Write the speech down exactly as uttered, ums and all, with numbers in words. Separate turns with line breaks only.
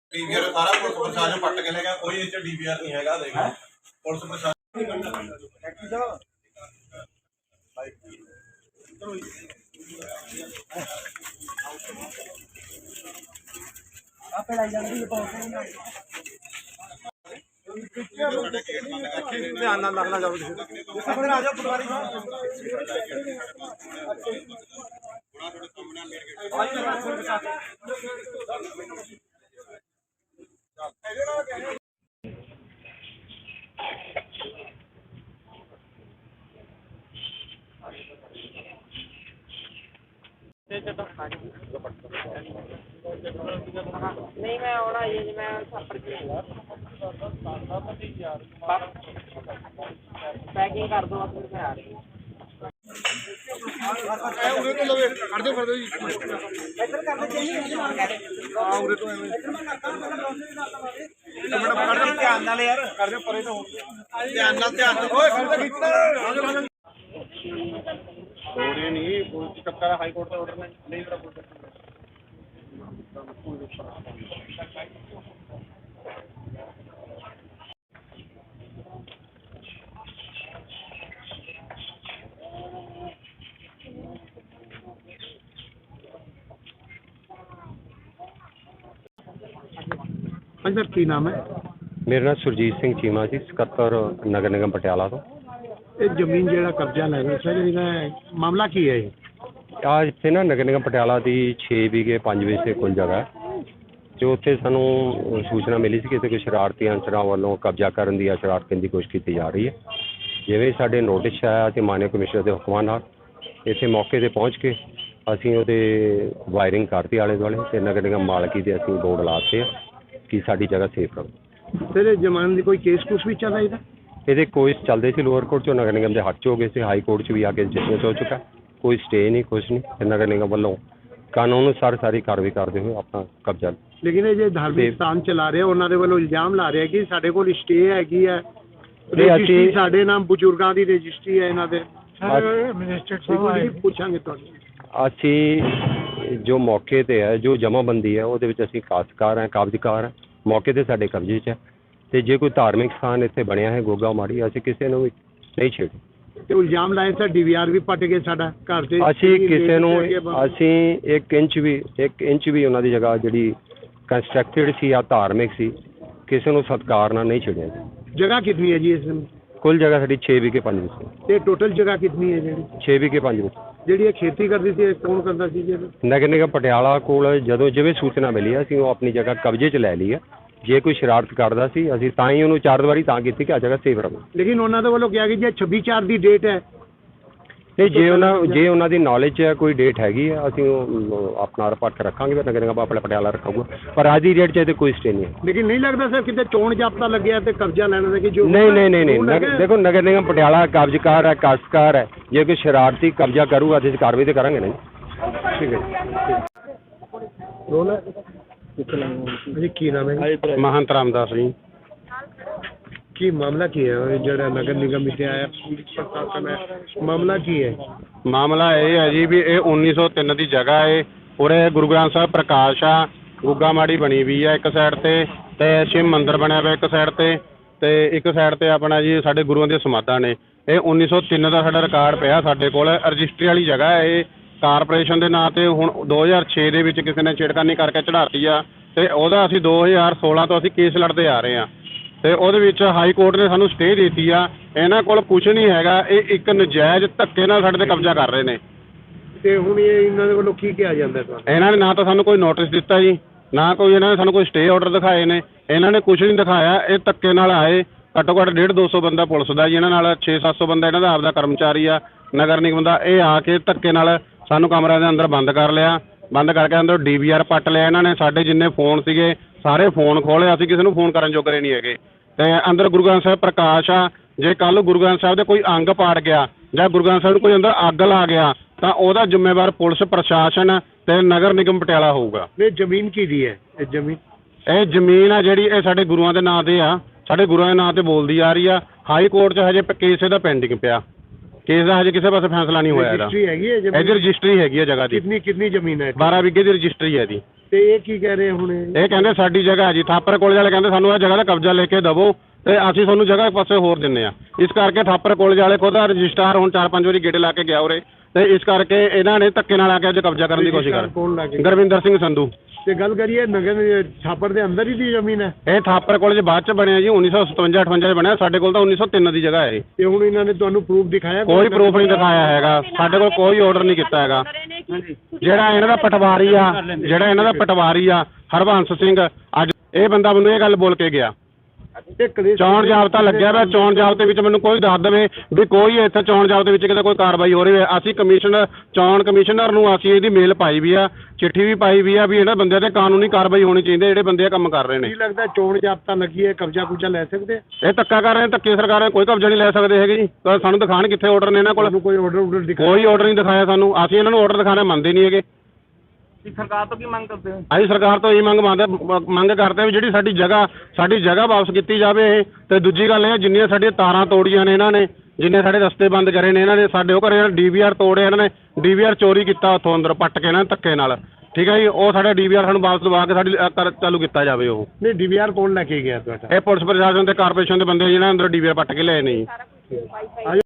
DVR सारा police प्रशासन पट के ले गया, कोई इस डीवीआर नहीं है। देखो पुलिस प्रशासन ध्यान ना लगना जाओ आ जाओ पटवारी
नहीं मैं आना ये जी मैं पैकिंग कर दो मैं आ रही
उरे तो लवे कर दो कर दो जी इधर कर दो हां उरे तो एक मिनट कर दो ध्यान नाल यार कर दो परे तो ध्यान नाल ध्यान ओए कर दो खींच थोड़े नहीं पुलिस चक्कर हाई कोर्ट का ऑर्डर में नहीं करा पुलिस
हाँ सर की नाम है?
मेरा नाम सुरजीत सिंह चीमा जी, ਸਕੱਤਰ ਨਗਰ ਨਿਗਮ ਪਟਿਆਲਾ ਤੋਂ।
ਇਹ ਜ਼ਮੀਨ ਜਿਹੜਾ ਕਬਜ਼ਾ ਲੈ ਰਿਹਾ ਸਰ, ਇਹਦਾ ਮਾਮਲਾ ਕੀ ਹੈ ਇਹ?
ਆ ਇੱਥੇ ਨਾ ਨਗਰ ਨਿਗਮ ਪਟਿਆਲਾ ਦੀ ਛੇ ਵਿਗੇ ਪੰਜ ਵਿਸੇ ਕੁੱਲ ਜਗ੍ਹਾ ਜੋ ਉੱਥੇ ਸਾਨੂੰ ਸੂਚਨਾ ਮਿਲੀ ਸੀ ਕਿ ਇੱਥੇ ਕੋਈ ਸ਼ਰਾਰਤੀ ਅਨਸਰਾਂ ਵੱਲੋਂ ਕਬਜ਼ਾ ਕਰਨ ਦੀ ਜਾਂ ਸ਼ਰਾਰਤ ਕਰਨ ਦੀ ਕੋਸ਼ਿਸ਼ ਕੀਤੀ ਜਾ ਰਹੀ ਹੈ। ਜਿਵੇਂ ਸਾਡੇ ਨੋਟਿਸ ਆਇਆ ਤੇ ਮਾਨਯੋਗ ਕਮਿਸ਼ਨਰ ਦੇ ਹੁਕਮਾਂ ਨਾਲ ਇੱਥੇ ਮੌਕੇ 'ਤੇ ਪਹੁੰਚ ਕੇ ਅਸੀਂ ਉਹਦੇ ਵਾਇਰਿੰਗ ਕਰਤੀ ਆਲੇ ਦੁਆਲੇ ਅਤੇ ਨਗਰ ਨਿਗਮ ਮਾਲਕੀ ਦੇ ਅਸੀਂ ਬੋਰਡ ਲਾਤੇ ਆ ਕਿ ਸਾਡੀ ਜਗ੍ਹਾ ਸੇਫ ਰਹੋ।
ਸਰ ਇਹ ਜ਼ਮਾਨਤ ਦੀ ਕੋਈ ਕੇਸ ਕੁਛ ਵੀ ਚੱਲਦਾ ਇਹਦਾ?
ਇਹਦੇ ਕੋਈ ਚੱਲਦੇ ਸੀ ਲੋਅਰ ਕੋਰਟ 'ਚੋਂ, ਨਗਰ ਨਿਗਮ ਦੇ ਹੱਥ 'ਚ ਹੋ ਗਏ ਸੀ, ਹਾਈ ਕੋਰਟ 'ਚ ਵੀ ਆ ਕੇ ਜੱਜਮੈਂਟ ਹੋ ਚੁੱਕਾ, ਕੋਈ ਸਟੇ ਨਹੀਂ ਕੁਛ ਨਹੀਂ। ਤੇ ਨਗਰ ਨਿਗਮ ਵੱਲੋਂ ਕਾਨੂੰਨ ਅਨੁਸਾਰ ਸਾਰੀ ਕਾਰਵਾਈ ਕਰਦੇ ਹੋਏ ਆਪਣਾ ਕਬਜ਼ਾ।
ਲੇਕਿਨ ਇਹ ਜੇ ਧਾਰਮਿਕ ਸਥਾਨ ਚਲਾ ਰਿਹਾ ਉਹਨਾਂ ਦੇ ਵੱਲੋਂ ਇਲਜ਼ਾਮ ਲਾ ਰਿਹਾ ਕਿ ਸਾਡੇ ਕੋਲ ਸਟੇ ਹੈਗੀ ਹੈ, ਰਜਿਸਟਰੀ ਸਾਡੇ ਨਾਮ ਬਜ਼ੁਰਗਾਂ ਦੀ ਰਜਿਸਟਰੀ ਹੈ ਇਹਨਾਂ ਦੇ। ਪੁੱਛਾਂਗੇ ਤੁਹਾਨੂੰ
ਅਸੀਂ ਜੋ ਮੌਕੇ 'ਤੇ ਹੈ ਜੋ ਜਮ੍ਹਾਂਬੰਦੀ ਹੈ ਉਹਦੇ ਵਿੱਚ ਅਸੀਂ ਕਾਸ਼ਤਕਾਰ ਹੈ, ਕਾਬਜ਼ਕਾਰ ਹੈ, ਮੌਕੇ 'ਤੇ ਸਾਡੇ ਕਬਜ਼ੇ 'ਚ ਹੈ। ਅਤੇ ਜੇ ਕੋਈ ਧਾਰਮਿਕ ਸਥਾਨ ਇੱਥੇ ਬਣਿਆ ਹੈ ਗੋਗਾ ਮਾੜੀ, ਅਸੀਂ ਕਿਸੇ ਨੂੰ ਵੀ ਨਹੀਂ ਛੇੜੀ।
ਤੇ ਇਲਜ਼ਾਮ ਲਾਏ ਸਰ ਡੀ ਵੀ ਆਰ ਵੀ ਪੱਟ ਗਏ ਸਾਡਾ ਘਰ 'ਚ।
ਅਸੀਂ ਕਿਸੇ ਨੂੰ ਅਸੀਂ ਇੱਕ ਇੰਚ ਵੀ ਇੱਕ ਇੰਚ ਵੀ ਉਹਨਾਂ ਦੀ ਜਗ੍ਹਾ ਜਿਹੜੀ ਕੰਸਟਰਕਟਿਡ ਸੀ ਜਾਂ ਧਾਰਮਿਕ ਸੀ ਕਿਸੇ ਨੂੰ ਸਤਿਕਾਰ ਨਾਲ ਨਹੀਂ ਛੇੜਿਆ ਜੀ।
ਜਗ੍ਹਾ ਕਿੰਨੀ ਹੈ ਜੀ ਇਸ ਨੂੰ?
ਕੁੱਲ ਜਗ੍ਹਾ ਸਾਡੀ ਛੇ ਵਿਗੇ ਪੰਜ ਵਿਸੇ।
ਤੇ ਟੋਟਲ ਜਗ੍ਹਾ ਕਿੰਨੀ ਹੈ ਜਿਹੜੀ?
ਛੇ ਵਿਗੇ ਪੰਜ ਵਿਸੇ।
ਜਿਹੜੀ ਇਹ ਖੇਤੀ ਕਰਦੀ ਸੀ ਕੌਣ ਕਰਦਾ ਸੀ ਜੀ?
ਨਗਰ ਨਿਗਮ ਪਟਿਆਲਾ ਕੋਲ ਜਦੋਂ ਜਿਵੇਂ ਸੂਚਨਾ ਮਿਲੀ ਅਸੀਂ ਉਹ ਆਪਣੀ ਜਗ੍ਹਾ ਕਬਜ਼ੇ 'ਚ ਲੈ ਲਈ ਹੈ। ਜੇ ਕੋਈ ਸ਼ਰਾਰਤ ਕਰਦਾ ਸੀ ਅਸੀਂ ਤਾਂ ਹੀ ਉਹਨੂੰ ਚਾਰ ਦੀਵਾਰੀ ਤਾਂ ਕੀਤੀ ਕਿ ਆ ਜਗ੍ਹਾ ਸੇਫ ਰਹੇ।
ਲੇਕਿਨ ਉਹਨਾਂ ਦੇ ਵੱਲੋਂ ਕਿਹਾ ਕਿ ਜੇ ਛੱਬੀ ਚਾਰ ਦੀ ਡੇਟ ਹੈ।
ਨਹੀਂ ਜੇ ਉਹਨਾਂ ਜੇ ਉਹਨਾਂ ਦੀ ਨੌਲੇਜ 'ਚ ਕੋਈ ਡੇਟ ਹੈਗੀ ਹੈ ਅਸੀਂ ਉਹ ਆਪਣਾ ਰਿਪੋਰਟ ਰੱਖਾਂਗੇ, ਫਿਰ ਨਗਰ ਨਿਗਮ ਆਪਣਾ ਪਟਿਆਲਾ ਰੱਖਾਂਗਾ, ਪਰ ਅੱਜ ਦੀ ਡੇਟ 'ਚ ਇਹਦੇ ਕੋਈ ਸਟੇ ਨਹੀਂ ਹੈ।
ਲੇਕਿਨ ਨਹੀਂ ਲੱਗਦਾ ਸਰ ਕਿਤੇ ਚੋਣ ਜਾਬਤਾ ਲੱਗਿਆ ਤੇ ਕਬਜ਼ਾ ਲੈਣ ਦਾ ਕਿ ਜੋ
ਨਹੀਂ ਨਹੀਂ ਨਹੀਂ ਨਹੀਂ ਦੇਖੋ ਨਗਰ ਨਿਗਮ ਪਟਿਆਲਾ ਕਬਜ਼ਕਾਰ ਹੈ, ਕਾਸ਼ਤਕਾਰ ਹੈ। ਜੇ ਕੋਈ ਸ਼ਰਾਰਤੀ ਕਬਜ਼ਾ ਕਰੂਗਾ ਤੇ ਕਾਰਵਾਈ ਤਾਂ ਕਰਾਂਗੇ ਨਹੀਂ। ਠੀਕ ਹੈ
ਜੀ। ਕੀ ਨਾਮ ਹੈ?
ਮਹੰਤ ਰਾਮਦਾਸ ਜੀ।
ਕੀ ਮਾਮਲਾ ਕੀ ਹੈ ਜਿਹੜਾ ਨਗਰ ਨਿਗਮ ਵਿੱਚ ਆਇਆ ਪੁਲਿਸ ਪ੍ਰਸ਼ਾਸਨ ਹੈ, ਮਾਮਲਾ ਕੀ ਹੈ?
ਮਾਮਲਾ ਇਹ ਹੈ ਜੀ ਵੀ ਇਹ ਉੱਨੀ ਸੌ ਤਿੰਨ ਦੀ ਜਗ੍ਹਾ ਹੈ। ਉਰੇ ਗੁਰੂ ਗ੍ਰੰਥ ਸਾਹਿਬ ਪ੍ਰਕਾਸ਼ ਆ, ਗੁੱਗਾ ਮਾੜੀ ਬਣੀ ਵੀ ਆ ਇੱਕ ਸਾਈਡ 'ਤੇ ਅਤੇ ਸ਼ਿਵ ਮੰਦਿਰ ਬਣਿਆ ਪਿਆ ਇੱਕ ਸਾਈਡ 'ਤੇ ਅਤੇ ਇੱਕ ਸਾਈਡ 'ਤੇ ਆਪਣਾ ਜੀ ਸਾਡੇ ਗੁਰੂਆਂ ਦੀਆਂ ਸਮਾਧਾਂ ਨੇ। ਇਹ ਉੱਨੀ ਸੌ ਤਿੰਨ ਦਾ ਸਾਡਾ ਰਿਕਾਰਡ ਪਿਆ ਸਾਡੇ ਕੋਲ। ਰਜਿਸਟਰੀ ਵਾਲੀ ਜਗ੍ਹਾ ਹੈ ਇਹ, ਕਾਰਪੋਰੇਸ਼ਨ ਦੇ ਨਾਂ 'ਤੇ ਹੁਣ ਦੋ ਹਜ਼ਾਰ ਛੇ ਦੇ ਵਿੱਚ ਕਿਸੇ ਨੇ ਛੇੜਖਾਨੀ ਕਰਕੇ ਚੜ੍ਹਾਤੀ ਆ ਅਤੇ ਉਹਦਾ ਅਸੀਂ ਦੋ ਹਜ਼ਾਰ ਸੋਲਾਂ ਤੋਂ ਅਸੀਂ ਕੇਸ ਲੜਦੇ ਆ ਰਹੇ ਹਾਂ ਅਤੇ ਉਹਦੇ ਵਿੱਚ ਹਾਈ ਕੋਰਟ ਨੇ ਸਾਨੂੰ ਸਟੇ ਦੇ ਦਿੱਤੀ ਆ। ਇਹਨਾਂ ਕੋਲ ਕੁਛ ਨਹੀਂ ਹੈਗਾ, ਇਹ ਇੱਕ ਨਜਾਇਜ਼ ਧੱਕੇ ਨਾਲ ਸਾਡੇ 'ਤੇ ਕਬਜ਼ਾ ਕਰ ਰਹੇ ਨੇ।
ਅਤੇ ਹੁਣ ਇਹ ਇਹਨਾਂ ਦੇ ਵੱਲੋਂ ਕੀ ਕਿਹਾ ਜਾਂਦਾ ਤੁਹਾਨੂੰ?
ਇਹਨਾਂ ਨੇ ਨਾ ਤਾਂ ਸਾਨੂੰ ਕੋਈ ਨੋਟਿਸ ਦਿੱਤਾ ਜੀ, ਨਾ ਕੋਈ ਇਹਨਾਂ ਨੇ ਸਾਨੂੰ ਕੋਈ ਸਟੇ ਆਰਡਰ ਦਿਖਾਏ ਨੇ। ਇਹਨਾਂ ਨੇ ਕੁਛ ਨਹੀਂ ਦਿਖਾਇਆ, ਇਹ ਧੱਕੇ ਨਾਲ ਆਏ। ਘੱਟੋ ਘੱਟ ਡੇਢ ਦੋ ਸੌ ਬੰਦਾ ਪੁਲਿਸ ਦਾ ਜੀ ਇਹਨਾਂ ਨਾਲ, ਛੇ ਸੱਤ ਸੌ ਬੰਦਾ ਇਹਨਾਂ ਦਾ ਆਪਦਾ ਕਰਮਚਾਰੀ ਆ ਨਗਰ ਨਿਗਮ ਦਾ। ਇਹ ਆ ਕੇ ਧੱਕੇ ਨਾਲ ਸਾਨੂੰ ਕਮਰਿਆਂ ਦੇ ਅੰਦਰ ਬੰਦ ਕਰ ਲਿਆ, ਬੰਦ ਕਰਕੇ ਅੰਦਰ ਡੀ ਵੀ ਆਰ ਪੱਟ ਲਿਆ ਇਹਨਾਂ ਨੇ। ਸਾਡੇ ਜਿੰਨੇ ਫੋਨ ਸੀਗੇ ਸਾਰੇ ਫੋਨ ਖੋਲ੍ਹੇ, ਅਸੀਂ ਕਿਸੇ ਨੂੰ ਫੋਨ ਕਰਨ ਜੋਗਰੇ ਨਹੀਂ ਹੈਗੇ। ਅਤੇ ਅੰਦਰ ਗੁਰੂ ਗ੍ਰੰਥ ਸਾਹਿਬ ਪ੍ਰਕਾਸ਼ ਆ, ਜੇ ਕੱਲ੍ਹ ਗੁਰੂ ਗ੍ਰੰਥ ਸਾਹਿਬ ਦੇ ਕੋਈ ਅੰਗ ਪਾੜ ਗਿਆ ਜਾਂ ਗੁਰੂ ਗ੍ਰੰਥ ਸਾਹਿਬ ਨੂੰ ਕੋਈ ਅੰਦਰ ਅੱਗ ਲਾ ਗਿਆ ਤਾਂ ਉਹਦਾ ਜ਼ਿੰਮੇਵਾਰ ਪੁਲਿਸ ਪ੍ਰਸ਼ਾਸਨ ਅਤੇ ਨਗਰ ਨਿਗਮ ਪਟਿਆਲਾ ਹੋਊਗਾ।
ਇਹ ਜ਼ਮੀਨ ਕਿਹਦੀ ਹੈ? ਇਹ ਜ਼ਮੀਨ
ਇਹ ਜ਼ਮੀਨ ਆ ਜਿਹੜੀ ਇਹ ਸਾਡੇ ਗੁਰੂਆਂ ਦੇ ਨਾਂ 'ਤੇ ਆ, ਸਾਡੇ ਗੁਰੂਆਂ ਦੇ ਨਾਂ 'ਤੇ ਬੋਲਦੀ ਆ ਰਹੀ ਆ। ਹਾਈ ਕੋਰਟ 'ਚ ਹਜੇ ਕੇਸ ਇਹਦਾ ਪੈਂਡਿੰਗ ਪਿਆ, ਕੇਸ ਦਾ ਹਜੇ ਕਿਸੇ ਪਾਸੇ ਫੈਸਲਾ ਨਹੀਂ ਹੋਇਆ ਇਹਦਾ।
ਰਜਿਸਟਰੀ ਹੈਗੀ ਹੈ?
ਇਹਦੀ ਰਜਿਸਟਰੀ ਹੈਗੀ ਹੈ ਜਗ੍ਹਾ ਦੀ।
ਕਿੰਨੀ ਕਿੰਨੀ ਜ਼ਮੀਨ ਹੈ?
ਬਾਰਾਂ ਵਿਗੇ ਦੀ ਰਜਿਸਟਰੀ ਹੈ ਇਹਦੀ।
ਤੇ ਇਹ ਕੀ ਕਹਿ ਰਹੇ ਹੁਣ ਇਹ?
ਇਹ ਕਹਿੰਦੇ ਸਾਡੀ ਜਗ੍ਹਾ ਜੀ, ਥਾਪਰ ਕਾਲਜ ਵਾਲੇ ਕਹਿੰਦੇ ਸਾਨੂੰ ਇਹ ਜਗ੍ਹਾ ਦਾ ਕਬਜ਼ਾ ਲੈ ਕੇ ਦੇਵੋ ਤੇ ਅਸੀਂ ਤੁਹਾਨੂੰ ਜਗ੍ਹਾ ਇੱਕ ਪਾਸੇ ਹੋਰ ਦਿੰਨੇ ਆ। ਇਸ ਕਰਕੇ ਥਾਪਰ ਕਾਲਜ ਵਾਲੇ ਖੁਦ ਰਜਿਸਟਰਾਰ ਹੁਣ ਚਾਰ ਪੰਜ ਵਾਰੀ ਗੇੜੇ ਲਾ ਕੇ ਗਿਆ ਉਰੇ, ਤੇ ਇਸ ਕਰਕੇ ਇਹਨਾਂ ਨੇ ਧੱਕੇ ਨਾਲ ਆ ਕੇ ਅੱਜ ਕਬਜ਼ਾ ਕਰਨ ਦੀ ਕੋਸ਼ਿਸ਼ ਕਰ
ਕੌਣ ਲਾ ਕੇ?
ਗੁਰਵਿੰਦਰ ਸਿੰਘ ਸੰਧੂ।
ਤੇ ਗੱਲ ਕਰੀਏ ਨਗਰ ਛਾਪਰ ਦੇ ਅੰਦਰ ਹੀ ਦੀ ਜ਼ਮੀਨ ਹੈ
ਇਹ ਥਾਪਰ ਕਾਲਜ ਬਾਅਦ ਚ ਬਣਿਆ ਜੀ, ਉੱਨੀ ਸੌ ਸਤਵੰਜਾ ਅਠਵੰਜਾ ਚ ਬਣਿਆ, ਸਾਡੇ ਕੋਲ ਤਾਂ ਉੱਨੀ ਸੌ ਤਿੰਨ ਦੀ ਜਗ੍ਹਾ ਹੈ ਇਹ।
ਤੇ ਹੁਣ ਇਹਨਾਂ ਨੇ ਤੁਹਾਨੂੰ ਪ੍ਰੂਫ ਦਿਖਾਇਆ?
ਕੋਈ ਪ੍ਰੂਫ ਨਹੀਂ ਦਿਖਾਇਆ ਹੈਗਾ, ਸਾਡੇ ਕੋਲ ਕੋਈ ਆਰਡਰ ਨਹੀਂ ਕੀਤਾ ਹੈਗਾ। ਜਿਹੜਾ ਇਹਨਾਂ ਦਾ ਪਟਵਾਰੀ ਆ ਜਿਹੜਾ ਇਹਨਾਂ ਦਾ ਪਟਵਾਰੀ ਆ ਹਰਬੰਸ ਸਿੰਘ, ਅੱਜ ਇਹ ਬੰਦਾ ਮੈਨੂੰ ਇਹ ਗੱਲ ਬੋਲ ਕੇ ਗਿਆ,
ਇਹ ਕਲੇਸ਼
ਚੋਣ ਜਾਬਤਾ ਲੱਗਿਆ ਵਾ, ਚੋਣ ਜਾਬਤੇ ਵਿੱਚ ਮੈਨੂੰ ਕੋਈ ਦੱਸ ਦੇਵੇ ਵੀ ਕੋਈ ਇੱਥੇ ਚੋਣ ਜਾਬਤੇ ਵਿੱਚ ਕਿਤੇ ਕੋਈ ਕਾਰਵਾਈ ਹੋ ਰਹੀ ਹੈ। ਅਸੀਂ ਕਮਿਸ਼ਨਰ ਚੋਣ ਕਮਿਸ਼ਨਰ ਨੂੰ ਅਸੀਂ ਇਹਦੀ ਮੇਲ ਪਾਈ ਵੀ ਆ, ਚਿੱਠੀ ਵੀ ਪਾਈ ਵੀ ਆ ਵੀ ਇਹਨਾਂ ਬੰਦਿਆਂ ਤੇ ਕਾਨੂੰਨੀ ਕਾਰਵਾਈ ਹੋਣੀ ਚਾਹੀਦੀ ਜਿਹੜੇ ਬੰਦੇ ਇਹ ਕੰਮ ਕਰ ਰਹੇ ਨੇ।
ਕੀ ਲੱਗਦਾ ਚੋਣ ਜਾਬਤਾ ਲੱਗੀ ਹੈ, ਕਬਜ਼ਾ ਕੁਬਜ਼ਾ ਲੈ ਸਕਦੇ?
ਇਹ ਧੱਕਾ ਕਰ ਰਹੇ ਨੇ, ਧੱਕੇ ਸਰਕਾਰਾਂ ਕੋਈ ਕਬਜ਼ਾ ਨਹੀਂ ਲੈ ਸਕਦੇ ਹੈਗੇ ਜੀ। ਤਾਂ ਸਾਨੂੰ ਦਿਖਾਣ ਕਿੱਥੇ ਆਰਡਰ ਨੇ ਇਹਨਾਂ ਕੋਲ?
ਤੁਹਾਨੂੰ ਕੋਈ ਆਰਡਰ ਆਰਡਰ ਦਿਖਾਇਆ?
ਕੋਈ ਆਰਡਰ ਨਹੀਂ ਦਿਖਾਇਆ ਸਾਨੂੰ, ਅਸੀਂ ਇਹਨਾਂ ਨੂੰ ਆਰਡਰ ਦਿਖਾਣਾ ਮੰਨਦੇ ਨਹੀਂ ਹੈਗੇ।
ਸਰਕਾਰ ਤੋਂ ਕੀ ਮੰਗ ਕਰਦੇ ਹੋ?
ਅਸੀਂ ਸਰਕਾਰ ਤੋਂ ਇਹ ਮੰਗ ਮੰਗਦੇ ਮੰਗ ਕਰਦੇ ਵੀ ਜਿਹੜੀ ਸਾਡੀ ਜਗ੍ਹਾ ਸਾਡੀ ਜਗ੍ਹਾ ਵਾਪਸ ਕੀਤੀ ਜਾਵੇ। ਤੇ ਦੂਜੀ ਗੱਲ ਇਹ ਜਿੰਨੀਆਂ ਸਾਡੀਆਂ ਤਾਰਾਂ ਤੋੜੀਆਂ ਨੇ ਇਹਨਾਂ ਨੇ, ਜਿੰਨੇ ਸਾਡੇ ਰਸਤੇ ਬੰਦ ਕਰੇ ਨੇ ਇਹਨਾਂ ਨੇ, ਸਾਡੇ ਉਹ ਘਰੇ ਡੀ ਵੀ ਆਰ ਤੋੜੇ ਇਹਨਾਂ ਨੇ, ਡੀ ਵੀ ਆਰ ਚੋਰੀ ਕੀਤਾ ਉੱਥੋਂ ਅੰਦਰ ਪੱਟ ਕੇ ਇਹਨਾਂ ਨੇ ਧੱਕੇ ਨਾਲ, ਠੀਕ ਹੈ ਜੀ। ਉਹ ਸਾਡਾ ਡੀ ਵੀ ਆਰ ਸਾਨੂੰ ਵਾਪਸ ਦਵਾ ਕੇ ਸਾਡੀ ਅ, ਕਰ ਚਾਲੂ ਕੀਤਾ ਜਾਵੇ। ਉਹ
ਨਹੀਂ ਡੀ ਵੀ ਆਰ ਕੌਣ ਲੈ ਕੇ ਗਿਆ ਤੁਹਾਡਾ?
ਇਹ ਪੁਲਿਸ ਪ੍ਰਸ਼ਾਸਨ ਤੇ ਕਾਰਪੋਰੇਸ਼ਨ ਦੇ ਬੰਦੇ ਜਿਹਨਾਂ ਅੰਦਰ ਡੀ ਵੀ ਆਰ ਪੱਟ ਕੇ ਲਏ ਨੇ ਜੀ।